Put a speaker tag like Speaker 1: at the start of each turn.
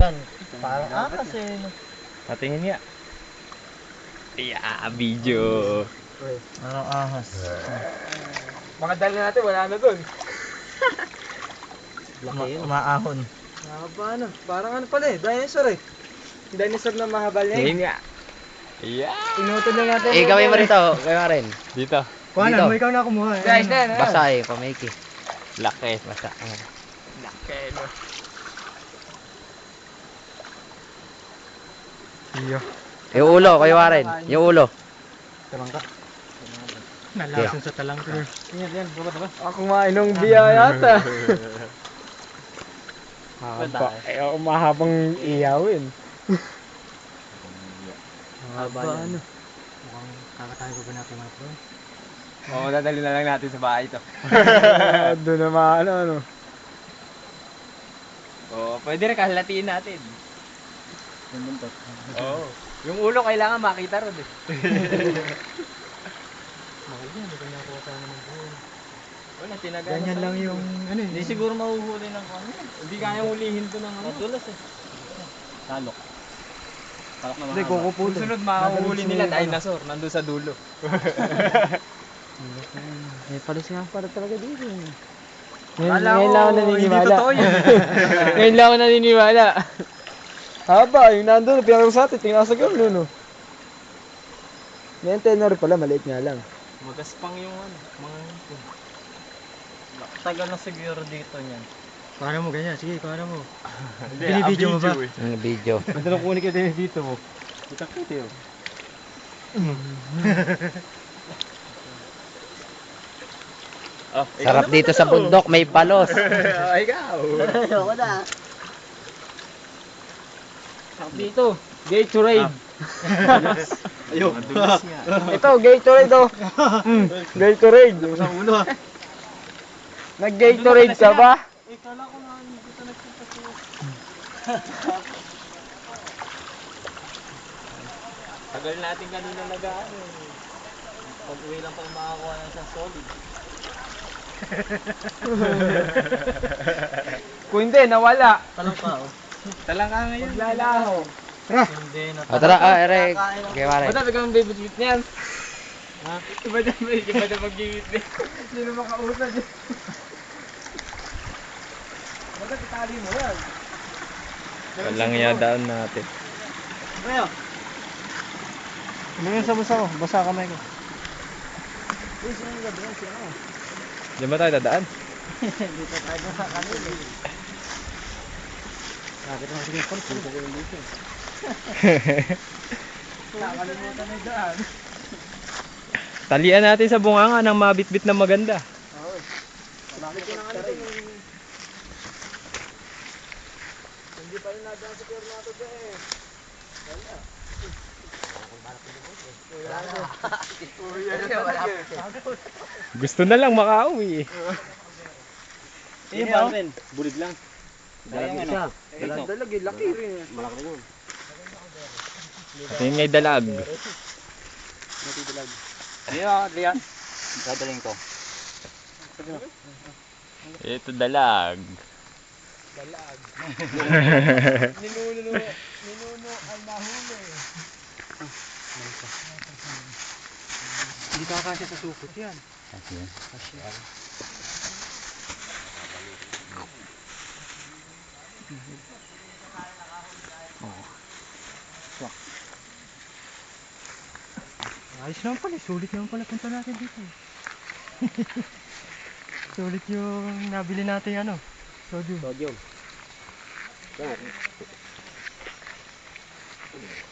Speaker 1: Yan, parang akas eh.
Speaker 2: Patingin nga. Yeah, video.
Speaker 1: Parang ahas.
Speaker 3: Mga dali natin, wala na dun.
Speaker 1: Laki yun. Umaahon.
Speaker 3: Mahaba na. Parang ano pala eh, dinosaur eh. Dinosaur na mahaba niya eh.
Speaker 2: Tingin nga. Yeah.
Speaker 3: Inutol lang natin.
Speaker 4: Gawin mo rito. Gawin mo rin.
Speaker 2: Dito.
Speaker 1: Kuha
Speaker 4: Dito.
Speaker 1: na, mo ikaw na kumuha.
Speaker 3: Guys, na.
Speaker 4: Basa eh, pamiki.
Speaker 2: Laki.
Speaker 4: Basa.
Speaker 2: Laki, no?
Speaker 1: Iyo.
Speaker 4: Yung ulo, kayo Warren. Yung ulo.
Speaker 1: Talangka. Nalason sa talangka.
Speaker 3: Yan, baba. Ako mainong biya yata.
Speaker 2: Haba.
Speaker 3: Eh, mahabang iyawin.
Speaker 1: Mahaba yan. Mukhang kakatayo ko ba natin mga pro?
Speaker 2: Oo, dadali na lang natin sa bahay ito.
Speaker 3: Doon naman ano.
Speaker 2: Oo, pwede rin kahalatiin natin. Oo. Yung ulo kailangan makita ron eh.
Speaker 1: Mahal yan, hindi ko nakuha tayo naman buo.
Speaker 2: Wala, tinaga.
Speaker 1: Ganyan lang yung ano eh.
Speaker 2: Hindi siguro mahuhuli ng ano. Hindi kaya hulihin to ng ano. Matulas eh. Talok. Talok na
Speaker 1: Hindi, kukuputin.
Speaker 2: Susunod mahuhuli nila dinosaur. Nandun sa dulo.
Speaker 3: May palis nga para talaga dito.
Speaker 2: Kala
Speaker 3: Ngayon
Speaker 2: ko,
Speaker 3: lang ako
Speaker 2: hindi
Speaker 3: naniniwala.
Speaker 2: totoo yun.
Speaker 3: Ngayon lang ako naniniwala. Haba, yung nandun, pinagawa sa atin, tingnan sa gano'n, no? May tenor pala, maliit nga lang.
Speaker 2: Magaspang yung ano. Mga hipon. Tagal na siguro dito niyan.
Speaker 1: Paano mo ganyan? Sige, paano mo?
Speaker 2: Hindi,
Speaker 1: Binibidyo mo ba?
Speaker 4: Yung video.
Speaker 2: Ito na kunin ka din dito mo. Kita kita yun. Oh,
Speaker 4: Sarap dito sa bundok, may palos.
Speaker 2: Ikaw.
Speaker 1: Ayoko na.
Speaker 3: Dito, Gatorade.
Speaker 2: Ayun. Madulas nga.
Speaker 3: Ito, Gatorade, oh. Gatorade.
Speaker 1: Sa ulo ah.
Speaker 3: Nag-Gatorade ka ba?
Speaker 2: Kala ko na dito nagpunta siya. Tagal natin kanina nag-ano. Pag-uwi lang pa makakuha ng isang solid.
Speaker 3: Kung hindi, nawala.
Speaker 1: Talong ka oh.
Speaker 2: Talang ka ngayon.
Speaker 3: Lalaho.
Speaker 1: Hindi na.
Speaker 4: O tara, Eric. Kay Warren.
Speaker 3: Bata, biglang bibit-bit niyan.
Speaker 2: Ha? Iba na mag-gimit na.
Speaker 3: Hindi na makausad eh. Bata, itali mo yan.
Speaker 2: Walang yadaan natin.
Speaker 3: Ano yun sa busa ko? Basa kamay ko. Uy, sino yung gabi yan? Sino ako?
Speaker 2: Diyan ba tayo dadaan?
Speaker 3: Dito tayo sa kanil eh. Bakit naman sige pa? Sino ko yung dito? Nakalimutan na yung daan.
Speaker 2: Talian natin sa bunganga ng mabitbit na maganda.
Speaker 3: Oo. Bakit ko na nga nito? Hindi pa rin nadaan sa pier nato ba eh. Wala.
Speaker 2: Gusto na lang makauwi.
Speaker 1: Iyo ba rin?
Speaker 2: Bulig lang.
Speaker 1: Dalang ano?
Speaker 3: Dalag eh, laki rin eh.
Speaker 1: Malaki yun.
Speaker 2: Ito yung ngay dalag.
Speaker 1: Lian. Dadaling ko.
Speaker 2: Ito dalag.
Speaker 3: Dalag. Ninuno ay nahuli.
Speaker 1: Hindi ka kasi sa sukot yan. Ayos naman pala, sulit naman pala punta natin dito. Sulit yung nabili natin ano, sodium.